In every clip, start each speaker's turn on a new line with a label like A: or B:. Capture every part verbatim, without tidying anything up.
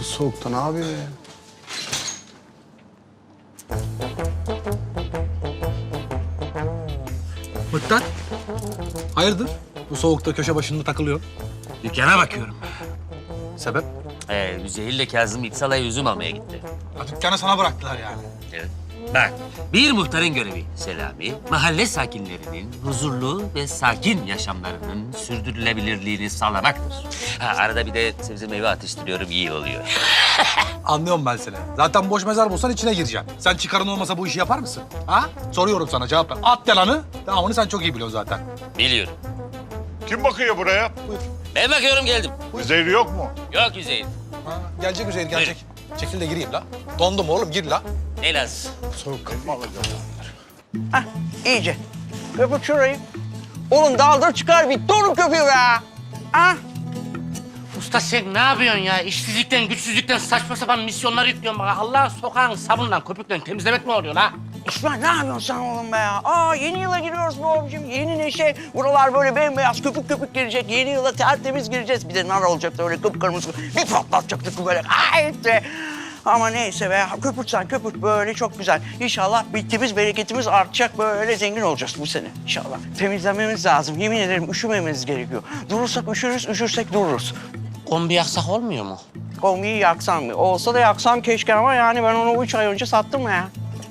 A: Bu soğukta ne yapıyor ya?
B: Mıktat, hayırdır? Bu soğukta köşe başında takılıyor.
C: Dükkana bakıyorum.
B: Sebep?
C: Ee, Üzeyir ile Kazım İpsala'ya üzüm almaya gitti.
B: Ha, dükkanı sana bıraktılar yani.
C: Evet. Bak, bir muhtarın görevi Selami, mahalle sakinlerinin huzurlu ve sakin yaşamlarının sürdürülebilirliğini sağlamaktır. Ha, arada bir de sebze meyve atıştırıyorum, iyi oluyor.
B: Anlıyorum ben seni. Zaten boş mezar bulsan içine gireceksin. Sen çıkarın olmasa bu işi yapar mısın? Ha? Soruyorum sana, cevap ver. At yalanı, devamını sen çok iyi biliyorsun zaten.
C: Biliyorum.
D: Kim bakıyor buraya?
C: Ben bakıyorum, geldim.
D: Üzeri yok mu?
C: Yok Üzeyir.
B: Ha, gelecek Üzeyir, gelecek. Çekil de gireyim la. Dondum oğlum, gir la.
C: Ne lazım?
B: Soğuk kapma alacağım.
E: Hah, iyice. Köpük şurayı. Oğlum daldır çıkar bir torun köpüğü be. Ah,
F: Usta sen ne yapıyorsun ya? İşsizlikten, güçsüzlükten saçma sapan misyonlar yüklüyorsun bana. Allah sokağın sabunla, köpükle temizlemek mi oluyor la?
E: İsmail ne yapıyorsun sen oğlum be ya? Aa, yeni yıla giriyoruz bu abicim. Yeni neşe. Buralar böyle bembeyaz köpük köpük girecek. Yeni yıla tertemiz gireceğiz. Bir de nar olacaktı öyle kıpkırmızı. Bir patlatacaktık böyle. Ay işte. Ama neyse be, köpürtsen köpürt böyle çok güzel. İnşallah bittiğimiz, bereketimiz artacak, böyle zengin olacağız bu sene inşallah. Temizlememiz lazım, yemin ederim üşümememiz gerekiyor. Durursak üşürüz, üşürsek dururuz.
F: Kombi yaksak olmuyor mu?
E: Kombiyi yaksam mı? Olsa da yaksam keşke ama yani ben onu üç ay önce sattım ya.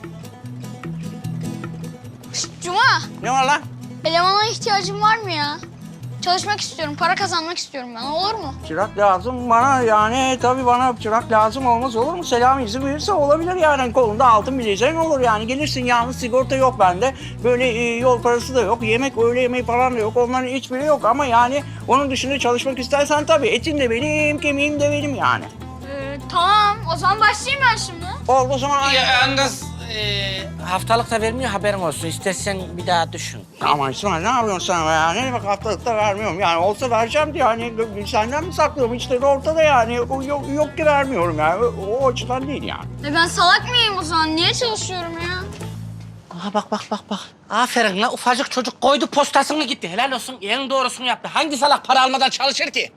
G: Cuma,
E: Ne var lan?
G: elemana ihtiyacın var mı ya? Çalışmak istiyorum, para kazanmak istiyorum ben. Olur mu?
E: Çırak lazım bana yani tabii bana çırak lazım olmaz olur mu? Selam izin verirse olabilir yani kolunda altın bileziğin olur yani. Gelirsin yalnız sigorta yok bende. Böyle e, yol parası da yok. Yemek öğle yemeği falan da yok. Onların hiçbiri yok ama yani onun dışında çalışmak istersen tabii etin de benim, kemiğim de benim yani.
G: Ee, tamam, o zaman başlayayım ben şimdi.
E: Oldu o zaman.
F: Ya yalnız e, haftalık da vermiyor, haberin olsun. İstersen bir daha düşün.
E: Ama İsmail ne yapıyorsun sen be ya? Ne demek haftalıkta vermiyorum yani. Olsa vereceğim diye hani senden mi saklıyorum? İşte ortada yani. Yok, yok ki vermiyorum yani. O, o açıdan değil yani.
G: E ben salak mıyım o zaman? Niye çalışıyorum ya?
F: Aha bak bak bak bak. Aferin la, ufacık çocuk koydu postasını gitti. Helal olsun, en doğrusunu yaptı. Hangi salak para almadan çalışır ki?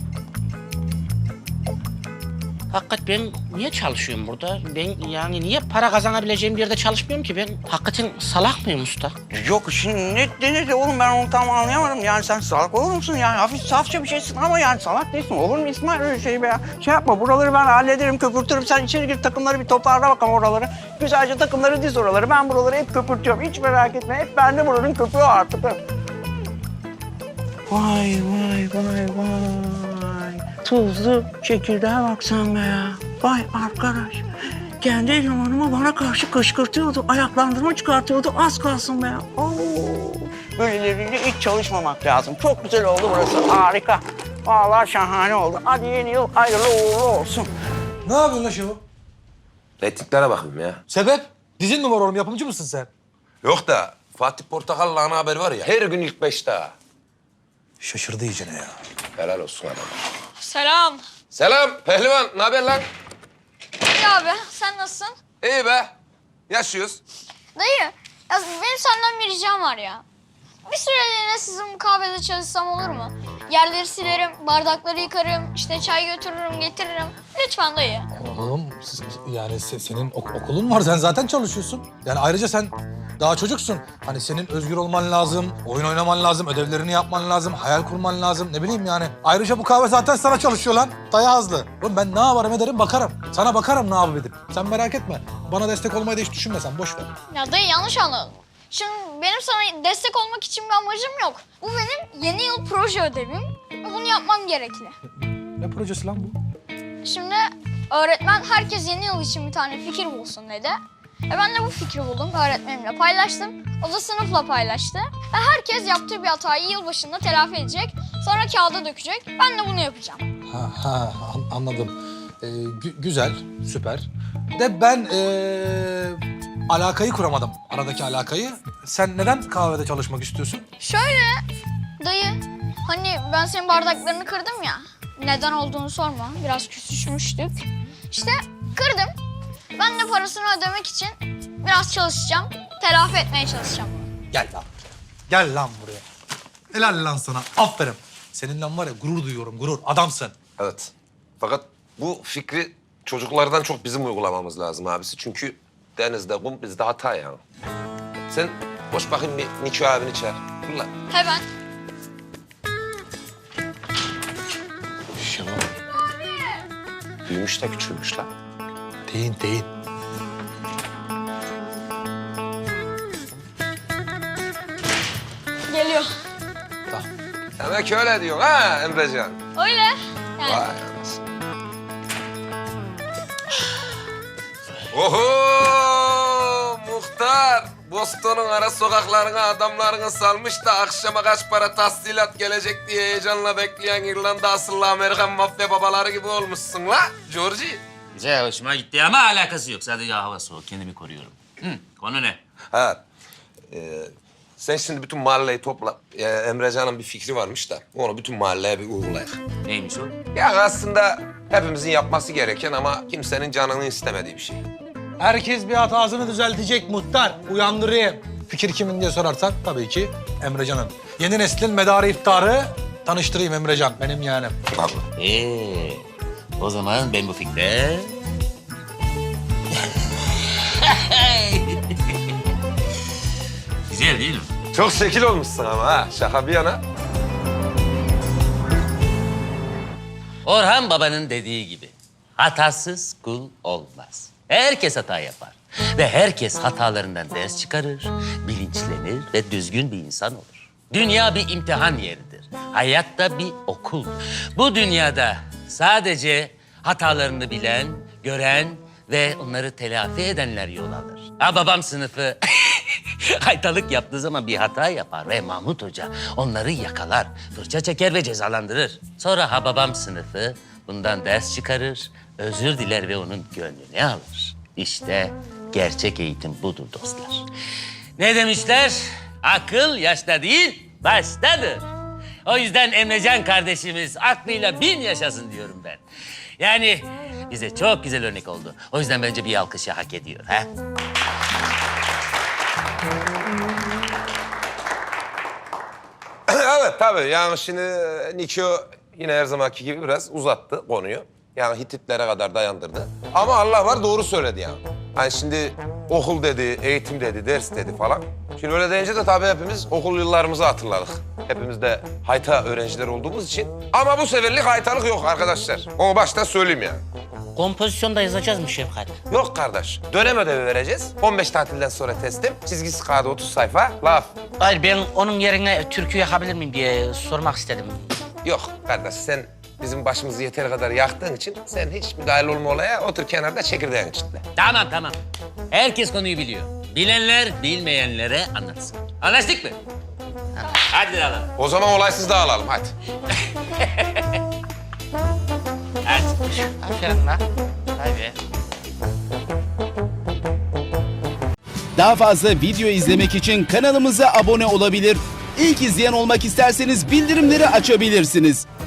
F: Hakikat ben niye çalışıyorum burada? Ben yani niye para kazanabileceğim bir yerde çalışmıyorum ki? Ben hakikaten salak mıyım usta?
E: Yok şimdi ne denir oğlum ben onu tam anlayamadım. Yani sen salak olur musun yani? Hafif safça bir şeysin ama yani salak değilsin. Olur mu İsmail öyle şey be ya? Şey yapma buraları ben hallederim köpürtürüm. Sen içeri gir takımları bir toparla bakalım oraları. Güzelce takımları diz oraları. Ben buraları hep köpürtüyorum. Hiç merak etme. Hep bende buranın köpüğü artık. Vay vay vay vay. Tuzlu çekirdeğe bak sen be ya. Vay arkadaş. Kendi elemanımı bana karşı kışkırtıyordu. Ayaklandırma çıkartıyordu. Az kalsın be ya. Oo. Böyleleriyle hiç çalışmamak lazım. Çok güzel oldu burası. Harika. Vallahi şahane oldu. Hadi yeni yıl hayırlı uğurlu olsun.
B: Ne yapıyorsun la şu?
H: Reytinglere bakayım ya.
B: Sebep? Dizin mi var oğlum, yapımcı mısın sen?
H: Yok da Fatih Portakal'la ana haber var ya, her gün ilk beşte ha.
B: Şaşırdı iyicene ya.
H: Helal olsun adam.
G: Selam.
H: Selam pehlivan, ne haber lan?
G: İyi abi, sen nasılsın?
H: İyi be, yaşıyoruz.
G: Dayı, ya benim senden bir ricam var ya. Bir süreliğine sizin bu kahvede çalışsam olur mu? Yerleri silerim, bardakları yıkarım, işte çay götürürüm, getiririm. Lütfen dayı.
B: Oğlum siz- yani se- senin ok- okulun var, sen zaten çalışıyorsun. Yani ayrıca sen daha çocuksun. Hani senin özgür olman lazım, oyun oynaman lazım, ödevlerini yapman lazım, hayal kurman lazım. Ne bileyim yani. Ayrıca bu kahve zaten sana çalışıyor lan. Daya azlı. Oğlum ben ne yaparım ederim bakarım. Sana bakarım ne yapıp edip. Sen merak etme. Bana destek olmayı da hiç düşünme sen, boş ver.
G: Ya dayı yanlış anladın. Şimdi benim sana destek olmak için bir amacım yok. Bu benim yeni yıl proje ödevim ve bunu yapmam gerekli.
B: Ne projesi lan bu?
G: Şimdi öğretmen herkes yeni yıl için bir tane fikir bulsun dedi. E ben de bu fikri buldum, öğretmenimle paylaştım. O da sınıfla paylaştı. Ve herkes yaptığı bir hatayı yılbaşında telafi edecek. Sonra kağıda dökecek. Ben de bunu yapacağım.
B: Ha, ha an- anladım. Ee, gü- güzel, süper. De ben ee, alakayı kuramadım, aradaki alakayı. Sen neden kahvede çalışmak istiyorsun?
G: Şöyle dayı, hani ben senin bardaklarını kırdım ya. Neden olduğunu sorma, biraz küsüşmüştük. İşte kırdım. Ben de parasını ödemek için biraz çalışacağım. Telafi etmeye çalışacağım.
B: Gel lan. Gel lan buraya. Helal lan sana. Aferin. Seninle var ya gurur duyuyorum, gurur. Adamsın.
H: Evet. Fakat bu fikri çocuklardan çok bizim uygulamamız lazım abisi. Çünkü denizde kum, bizde hata yani. Sen boş bakayım bir Niko abini çağır. Fırla.
G: Hemen.
B: Şenol.
H: Büyümüş de küçülmüş lan.
B: Deyin deyin.
G: Geliyor.
B: Tamam.
H: Demek öyle diyor ha Emrecan.
G: Öyle. Yani.
H: Vay anasını. Oho muhtar. Boston'un ara sokaklarına adamlarını salmış da akşama kaç para tahsilat gelecek diye heyecanla bekleyen İrlanda asıllı Amerikan mafya babaları gibi olmuşsun la Georgie.
C: Güzel, hoşuma gitti ama alakası yok. Sadece hava soğuk, kendimi koruyorum. Hı, konu ne?
H: Ha, e, sen şimdi bütün mahalleyi topla. E, Emrecan'ın bir fikri varmış da onu bütün mahalleye bir uygulayalım.
C: Neymiş o?
H: Yani aslında hepimizin yapması gereken ama kimsenin canını istemediği bir şey.
B: Herkes bir hatasını düzeltecek muhtar. Uyandırayım. Fikir kimin diye sorarsan tabii ki Emrecan'ın. Yeni neslin medarı iftarı tanıştırayım Emrecan. Benim yeğenim.
H: Vallahi.
C: Ee, o zaman ben bu fikre... Güzel değil mi?
H: Çok şekil olmuşsun ama ha. Şaka bir yana.
C: Orhan Baba'nın dediği gibi hatasız kul olmaz. Herkes hata yapar ve herkes hatalarından ders çıkarır, bilinçlenir ve düzgün bir insan olur. Dünya bir imtihan yeridir. Hayat da bir okul. Bu dünyada sadece hatalarını bilen, gören ve onları telafi edenler yol alır. Ha babam sınıfı haytalık yaptığı zaman bir hata yapar ve Mahmut Hoca onları yakalar, fırça çeker ve cezalandırır. Sonra ha babam sınıfı bundan ders çıkarır, özür diler ve onun gönlünü alır. İşte gerçek eğitim budur dostlar. Ne demişler? Akıl yaşta değil, baştadır. O yüzden Emrecan kardeşimiz aklıyla bin yaşasın diyorum ben. Yani bize çok güzel örnek oldu. O yüzden bence bir alkışı hak ediyor. Ha?
H: Evet tabii yani şimdi Niko yine her zamanki gibi biraz uzattı konuyu. Yani Hititlere kadar dayandırdı. Ama Allah var doğru söyledi yani. Hani şimdi okul dedi, eğitim dedi, ders dedi falan. Şimdi öyle deyince de tabii hepimiz okul yıllarımızı hatırladık. Hepimiz de hayta öğrenciler olduğumuz için. Ama bu seferlik haytalık yok arkadaşlar. Onu baştan söyleyeyim yani.
F: Kompozisyonda yazacağız mı Şefkat?
H: Yok kardeş. Dönem ödevi vereceğiz. on beş tatilden sonra teslim. Çizgisi kağıdı otuz sayfa. Laf.
F: Hayır, ben onun yerine türkü yakabilir miyim diye sormak istedim.
H: Yok kardeş sen bizim başımızı yeteri kadar yaktığın için sen hiç müdahil olma olaya otur kenarda çekirdeğini çitle.
C: Tamam tamam. Herkes konuyu biliyor. Bilenler bilmeyenlere anlatsın. Anlaştık mı? Hadi alalım.
H: O zaman olaysız dağılalım hadi.
C: Hadi.
F: Aferin lan. Tabii.
A: Daha fazla video izlemek için kanalımıza abone olabilir. İlk izleyen olmak isterseniz bildirimleri açabilirsiniz.